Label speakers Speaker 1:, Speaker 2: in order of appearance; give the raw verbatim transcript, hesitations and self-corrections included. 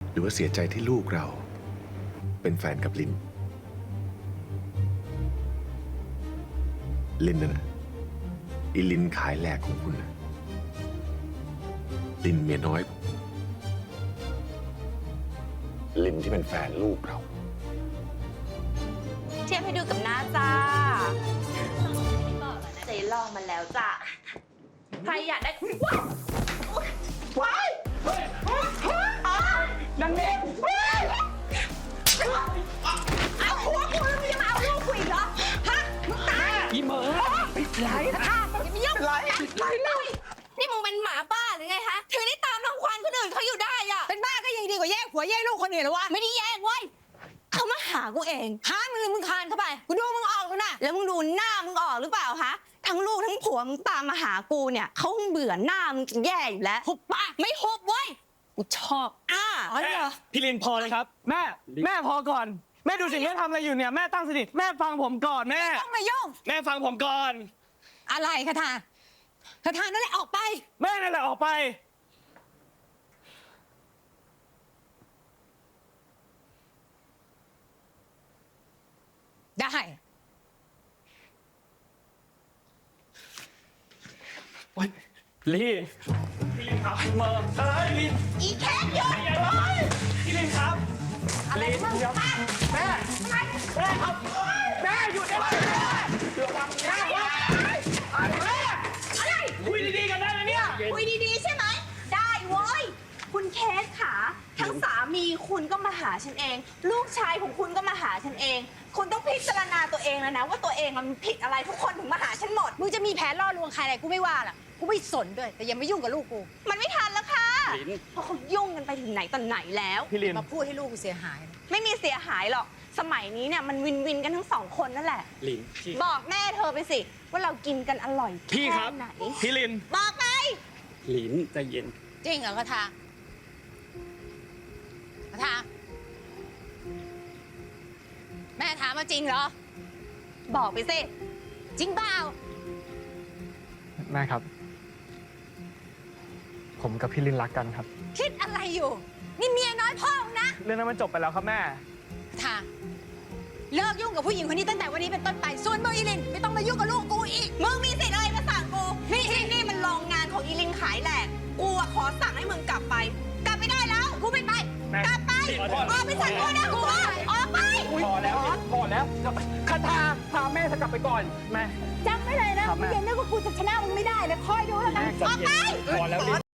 Speaker 1: หรือว่าเสียใจที่ลูกเราเป็นแฟนกับลินลินน่ะนะอีลินขายแหลกของคุณนะลินเมียน้อยผมลินที่เป็นแฟนลูกเรา
Speaker 2: เทียบให้ดูกับหน้าจ้าเจ๊ลองมาแล้วจ้ะใครอยากได้ว้ายนางเด็กเอาหัวกูแล้วมึงจะมาเอาลูกกูอีกเหรอฮะมึงตายอีเหมอเป็นไรค่ะอย่ามายุ่งไรไรเลยนี่มึงเป็นหมาบ้าหรือไงฮะถึงได้ตามรังควานคนอื่นเขาอยู่ได้อะ
Speaker 3: เป็นบ้าก็ยังดีกว่าแย่งผัวแย่งลูกคนอื่นหรอวะ
Speaker 2: ไม่ได้แย่งเว้ยเขามาหากูเองหามึงเลยมึงคานเข้าไปกูดูมึงออกแล้วนะแล้วมึงดูหน้ามึงออกหรือเปล่าฮะทั้งลูกทั้งผัวมึงตามมาหากูเนี่ยเขาคงเบื่อหน้ามึงจะแย่อยู่แล้วหุบปากไม่หุบเว้ยกูชอบอ่าอ๋อเหรอ
Speaker 4: พี่ลินพอเลยครับแม่แม่พอก่อนแม่ดูสิแม่ทำอะไรอยู่เนี่ยแม่ตั้งสติแม่ฟังผมก่อนแม่
Speaker 3: ต้องมายุ่ง
Speaker 4: แม่ฟังผมก่อน
Speaker 3: อะไรคาถาคาถานั่นแหละออกไป
Speaker 4: แม่นั่นแหละออกไป
Speaker 3: ได้
Speaker 4: ลีพี่ลินครับเมอร์เอ้ยลิน
Speaker 2: อีแค่หยุด
Speaker 4: พี่ลินครับ
Speaker 2: อะไรมึงแม่
Speaker 4: แม่แม่ครับแม่หยุดได้ไหมแม่ระวังแม่อะไรคุยดีๆกันได้ไหมเนี่ย
Speaker 2: คุยดีๆใช่ไหมได้เว้ยคุณเคสขาทั้งสามีคุณก็มาหาฉันเอง ลูกชายของคุณก็มาหาฉันเอง คุณต้องพิจารณาตัวเองแล้วนะว่าตัวเองมันผิดอะไรทุกคนถึงมาหาฉันหมด
Speaker 3: มึงจะมีแผนล่อลวงใครอะไรกูไม่ว่าล่ะกูไม่สนด้วยแต่อย่ามายุ่งกับลูกกู
Speaker 2: มันไม่ทันแล้วค่ะเพราะเขายุ่งกันไปถึงไหนตอนไหนแล้ว
Speaker 4: พี่ลิน
Speaker 3: มาพูดให้ลูกกูเสียหาย
Speaker 2: ไม่มีเสียหายหรอกสมัยนี้เนี่ยมันวินวินกันทั้งสองคนนั่นแหละ
Speaker 4: ลิน
Speaker 2: บอกแม่เธอไปสิว่าเรากินกันอร่อย
Speaker 4: พี่ครับ
Speaker 2: ไหน
Speaker 4: พี่ลิน
Speaker 2: บอกไป
Speaker 4: ลินใจเย็น
Speaker 3: จริงเหรอคาถาคาถาแม่ถามมาจริงเหรอ
Speaker 2: บอกไปสิ
Speaker 3: จริงเปล่า
Speaker 4: แม่ครับผมกับพี่ลินรักกันครับ
Speaker 3: คิดอะไรอยู่นี่เมียน้อยพ่อมึงนะ
Speaker 4: เรื่องนั้นมันจบไปแล้วครับแม่
Speaker 3: คาถาเลิกยุ่งกับผู้หญิงคนนี้ตั้งแต่วันนี้เป็นต้นไปส่วนมึงอีลินไม่ต้องมายุ่งกับลูกกูอีก
Speaker 2: มึงมีสิทธิ์อะไรมาสั่งกูนี่ที่นี่มันโรงงานของอีลินขายแหลกกูอะขอสั่งให้มึงกลับไปกลับไม่ได้แล้วกูไม่ไปกลับไปออกไปสั่งกูนะกูออกไป
Speaker 4: พอแล้วพอแล้วคาถาพาแม่เธอกลับไปก่อนแม่
Speaker 3: จำไม่เลยนะมึงอย่านึกว่ากูจะชนะมึงไม่ได้เลยคอยดูแล้วกัน
Speaker 4: ออกไปพอแล้ว